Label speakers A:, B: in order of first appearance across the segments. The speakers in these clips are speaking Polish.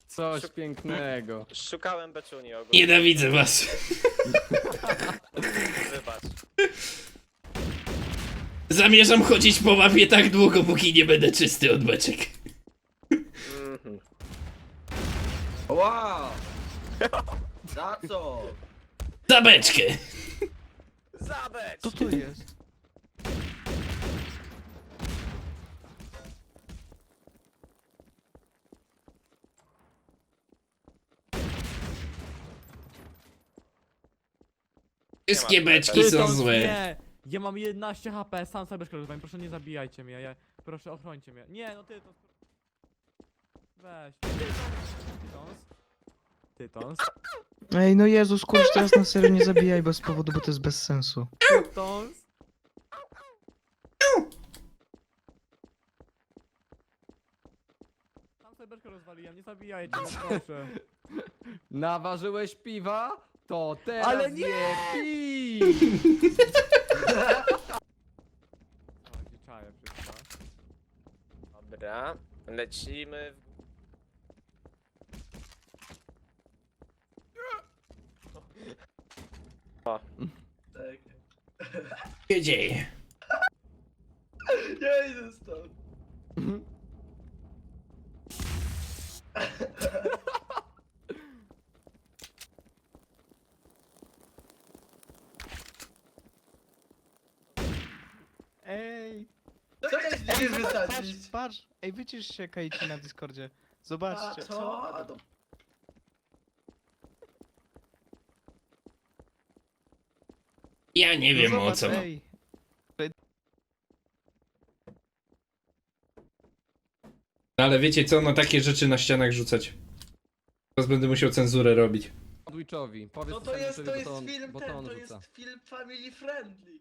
A: Coś pięknego.
B: Szukałem beczuni ogólnie.
C: Nienawidzę was.
B: Wybacz.
C: Zamierzam chodzić po mapie tak długo, póki nie będę czysty od beczek.
B: Mhm.
D: Wow! Za co?
C: Za beczkę.
B: Zabecz!
A: Co to jest?
C: Wszystkie beczki
E: Ty,
C: są
E: to
C: złe.
E: Nie! Ja mam 11 HP, sam sobie szkoda, proszę nie zabijajcie mnie, proszę ochrońcie mnie. Nie, no ty to... Weź. Tytons.
F: Ej, no Jezus, kurczę, teraz na serio nie zabijaj bez powodu, bo to jest bez sensu.
E: Tytons. Sam sobie beczkę rozwaliłem, nie zabijajcie mnie, proszę.
A: Naważyłeś piwa? To teraz
E: Ale nie!
A: pij!
E: O, gdzie czaję wszystko.
B: Dobra, lecimy w... O,
D: Tak.
C: Co się dzieje?
D: Ja idę stąd.
F: Ej,
D: Co chcesz mnie
F: patrz,
D: wysadzić?
F: patrz. Ej, wycisz się, Kajci, na Discordzie.
D: A
F: Zobaczcie.
D: co? A to...
C: Ja nie
F: No
C: wiem o
F: zobacz,
C: co.
F: ej.
C: Ale wiecie co, no takie rzeczy na ścianach rzucać. Teraz będę musiał cenzurę robić.
A: Sandwichowi. Powiedz
D: No to jest
A: sandwichowi,
D: film
A: bo
D: ten,
A: on
D: to
A: rzuca.
D: jest film family friendly.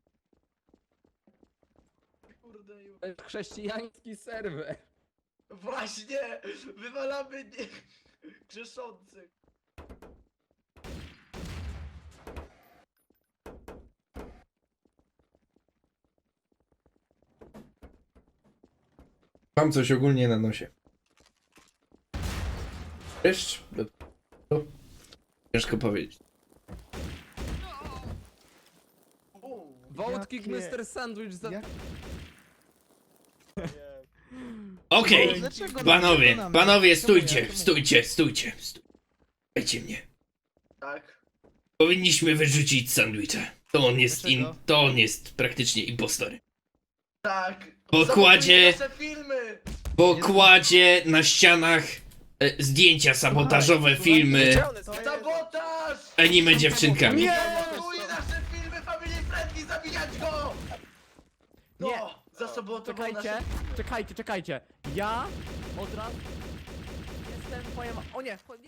D: Kurde, już.
A: To jest chrześcijański serwer.
D: Właśnie! Wywalamy nie... grzeszących.
C: Mam coś ogólnie na nosie. Wiesz? Ciężko powiedzieć.
A: Wątki
F: Jakie-
A: Mr. Sandwich za...
F: Jak-
C: Okej,
F: Dlaczego
C: panowie,
F: nam-
C: panowie,
F: Czemu
C: stójcie,
F: ja? Czemu?
C: stójcie. Słuchajcie mnie.
D: Tak.
C: Powinniśmy wyrzucić sandwicha.
F: Dlaczego?
C: To on jest praktycznie impostorem.
D: Tak.
C: Bo
D: Zobaczcie
C: kładzie-
D: nasze filmy!
C: Bo kładzie na ścianach zdjęcia sabotażowe, filmy,
B: gdzie one są?
D: Sabotaż!
C: anime dziewczynkami.
D: Sabotuje nasze filmy family friendly, zabijać go! No,
E: Nie.
D: zasabotował nasze...
E: Czekajcie. Ja od razu jestem twoim... O nie, chodzi?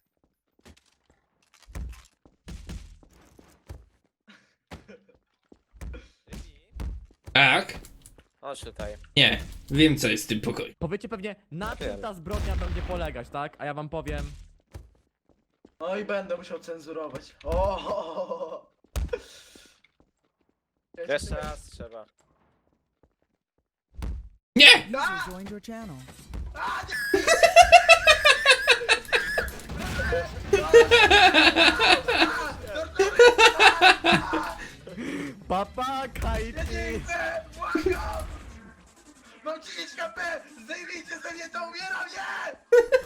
C: Tak?
B: Chodź tutaj.
C: Nie, wiem co jest w tym pokoju.
E: Powiecie pewnie, na czym
B: Wiem.
E: ta zbrodnia będzie polegać, tak? A ja wam powiem...
D: No i będę musiał cenzurować. O!
B: Jeszcze raz trzeba.
C: Nie!
D: A!
G: Joined your channel.
E: Papa,
D: Ja nie
E: Kajty!
D: chcę! Błagam! Mam 30 HP! Zdejmijcie ze mnie to, umieram, nie!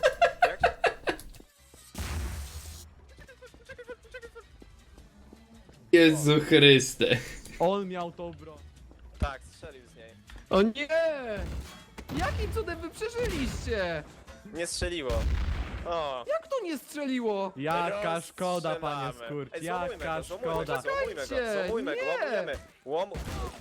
C: Jezu Chryste.
E: On miał tą broń.
B: Tak, strzelił z niej.
A: O nie! Jakim cudem wy przeżyliście?
B: Nie strzeliło. O.
A: Jak to nie strzeliło?
E: Jaka szkoda, panie
B: rozstrzelamy.
E: Skurcz,
B: Ej, złamujmy
E: jaka
B: go, złamujmy
E: szkoda.
B: go, złamujmy go,
A: Czekajcie,
B: złamujmy go,
A: nie.
B: łamujemy. Łom...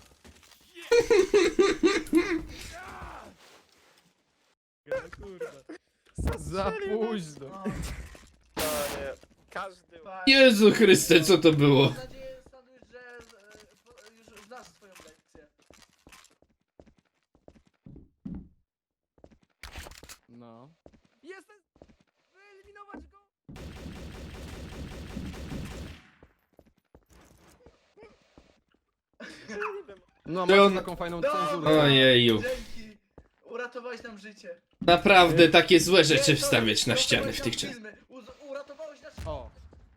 A: Za późno.
D: No,
B: To nie. Każdy...
D: fajnie.
C: Jezu Chryste, co to było?
D: Mam nadzieję, Sandwich, że już znasz swoją lekcję.
A: No.
E: Jestem... Wyeliminować go!
A: No,
C: Czy
A: macie
C: on-
A: taką fajną
D: Dobra.
A: cenzurę.
C: Ojeju.
D: Dzięki! Uratowałeś nam życie.
C: Naprawdę takie złe
D: Nie,
C: rzeczy
D: to-
C: wstawiać na
D: to
C: ściany w
D: są
C: tych czasach.
D: filmy. Uratowałeś nasz...
A: O.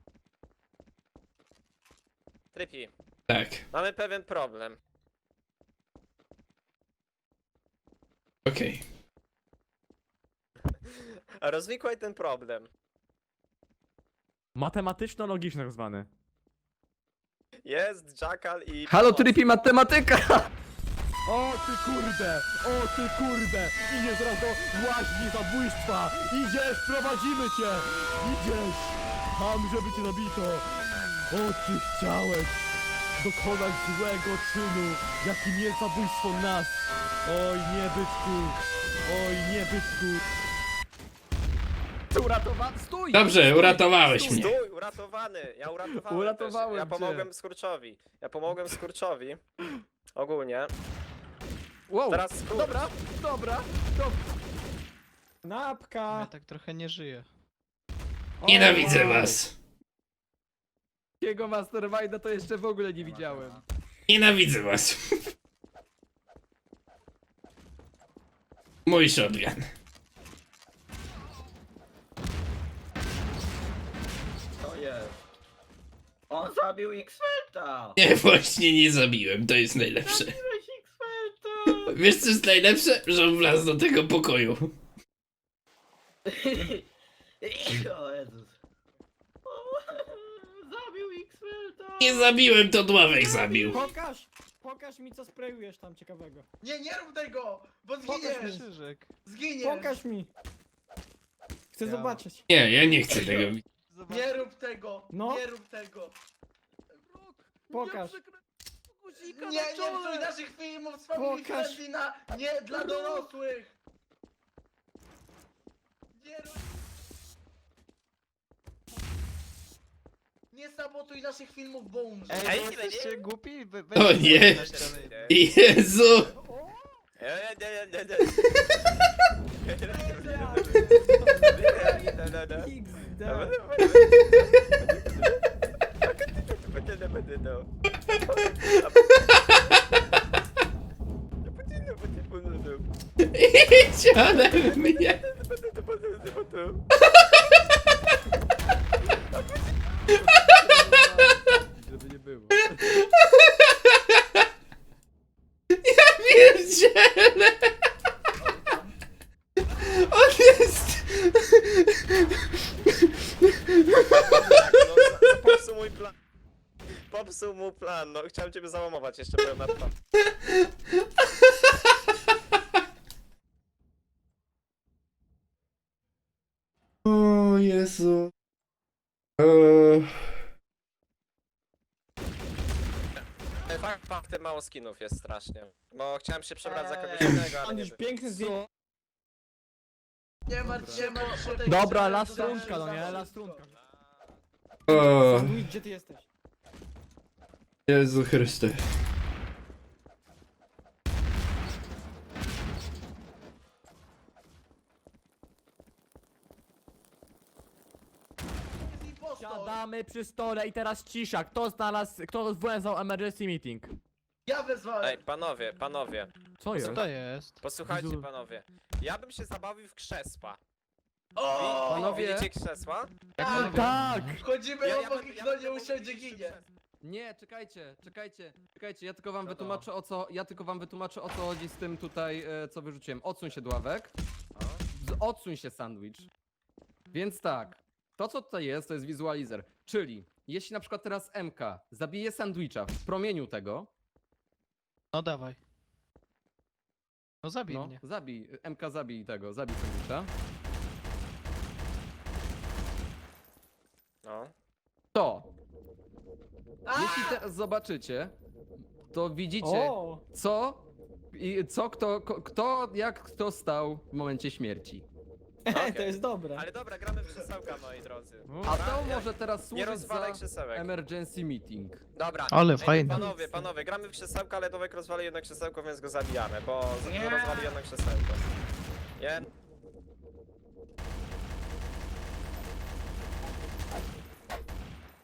B: Trypi,
C: Tak,
B: mamy pewien problem.
C: okej.
B: Rozwikłaj ten problem.
E: Matematyczno-logiczny tak zwany.
B: Jest Jackal i...
A: Halo,
B: pomoc.
A: Trippy, matematyka! O ty kurde! O ty kurde! Idziesz teraz do łaźni zabójstwa! Idziesz, prowadzimy cię! Idziesz! Tam, żeby cię zabito! O, ty chciałeś dokonać złego czynu, jakim jest zabójstwo nas! Oj, nie byczku! Oj, nie byczku! Uratowany! Stój!
C: Dobrze,
A: Stój!
C: uratowałeś
A: Stój!
C: mnie.
B: Stój, uratowany! Ja uratowałem
A: Uratowałem
B: też. Ja
A: cię.
B: pomogłem Skurczowi. Ja pomogłem Skurczowi. Ogólnie.
A: Wow.
B: Teraz Skurcz.
A: Dobra, dobra, dobra.
F: Ja tak trochę nie żyję.
C: Nienawidzę was.
A: Jego Masterminda to jeszcze w ogóle nie widziałem.
C: Nienawidzę was. Mój shotgun.
D: To jest. On zabił X-Felta!
C: Nie, właśnie nie zabiłem, to jest najlepsze.
D: Zabiłeś X-Felta!
C: Wiesz co jest najlepsze? Że on wlazł do tego pokoju.
D: O Jezus. Zabił X-Felta!
C: Nie zabiłem, to Dławek zabił.
G: Pokaż mi co sprayujesz tam ciekawego.
D: Nie rób tego! Bo
G: Pokaż
D: zginiesz!
G: mi.
F: Krzyżyk.
D: Zginiesz!
G: Pokaż mi. Chcę
D: Ja.
G: zobaczyć.
C: Nie, ja nie chcę tego.
D: Nie rób tego!
G: No.
D: Nie rób tego!
G: Pokaż.
D: Nie psuj naszych filmów z Family
G: Pokaż.
D: Friendly na... Nie dla dorosłych! Nie rób... Nie sabotuj naszych filmów, bo umrzesz!
B: Ej,
F: Ej,
B: nie,
F: jesteście
B: nie.
F: głupi?
C: O nie. Jezu! Idź ode mnie!
A: Żeby nie było.
C: Pierdziele! On jest...
B: Popsuł mój plan. Popsuł mu plan, no chciałem ciebie załamować jeszcze powiem na to.
C: O Jezu.
B: Faktem mało skinów jest strasznie. Bo chciałem się przebrać za kogoś innego, ale
G: On
B: nie
G: już
B: wiem.
G: piękny zdjęcie.
D: Nie martw się, martw się.
E: Dobra, last rundka, no nie? Last rundka.
C: O
G: Gdzie ty jesteś?
C: Jezu Chryste.
E: Siadamy przy stole i teraz cisza. Kto włączał emergency meeting?
D: Ja wezwałem!
B: Ej, panowie,
E: Co jest?
F: Co to jest?
B: posłuchajcie
E: Jezu.
B: panowie. Ja bym się zabawił w krzesła.
D: O!
A: Panowie.
B: Widzicie krzesła?
D: Tak!
E: Tak!
D: Wchodzimy obok
B: bym-
D: i kto
B: bym
D: nie
B: mógł
D: usiądzie,
B: siedzieć przy
D: ginie.
B: krzesłach.
A: Nie, czekajcie, ja tylko wam
B: Co to?
A: wytłumaczę o co chodzi z tym tutaj, co wyrzuciłem. Odsuń się, Dławek. Odsuń się, sandwich. Więc tak, to co tutaj jest, to jest wizualizer. Czyli, jeśli na przykład teraz MK zabije sandwicha w promieniu tego,
F: No dawaj. No zabij
A: no,
F: mnie.
A: zabij sandwicha,
B: No.
A: to, jeśli teraz zobaczycie, to widzicie,
G: O!
A: jak kto stał w momencie śmierci.
B: Okej.
G: To jest dobre.
B: Ale dobra, gramy w krzesełka, moi drodzy.
A: A
B: Dobra,
A: to
B: ja-
A: może teraz
B: Nie
A: służyć
B: rozwalaj
A: za
B: krzesełek.
A: emergency meeting.
B: Dobra.
F: Ale
B: Ej,
F: fajne.
B: Panowie, gramy w krzesełka, ale Dowek rozwali jedno krzesełko, więc go zabijamy, bo
D: Nie.
B: rozwali jedno krzesełko. Nie?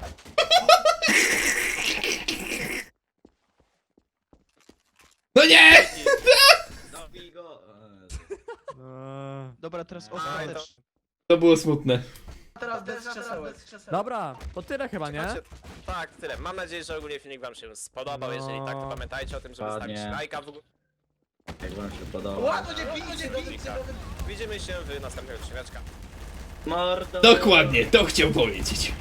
C: No nie!
H: Zabij go.
F: Dobra, teraz
B: Aj,
F: ostateczny.
C: To było smutne.
D: Teraz bez krzesełek.
E: Dobra, to tyle chyba, nie?
B: Słuchajcie, tak, tyle. Mam nadzieję, że ogólnie filmik wam się spodobał.
E: No.
B: Jeżeli tak, to pamiętajcie o tym, żeby
H: Ładnie.
B: stawić lajka w ogóle.
H: Jak wam się podoba.
D: Ła, to nie bijcie, bijcie,
B: Widzimy się w następnego odcineczka.
H: Mordo.
C: Dokładnie, to chciał powiedzieć.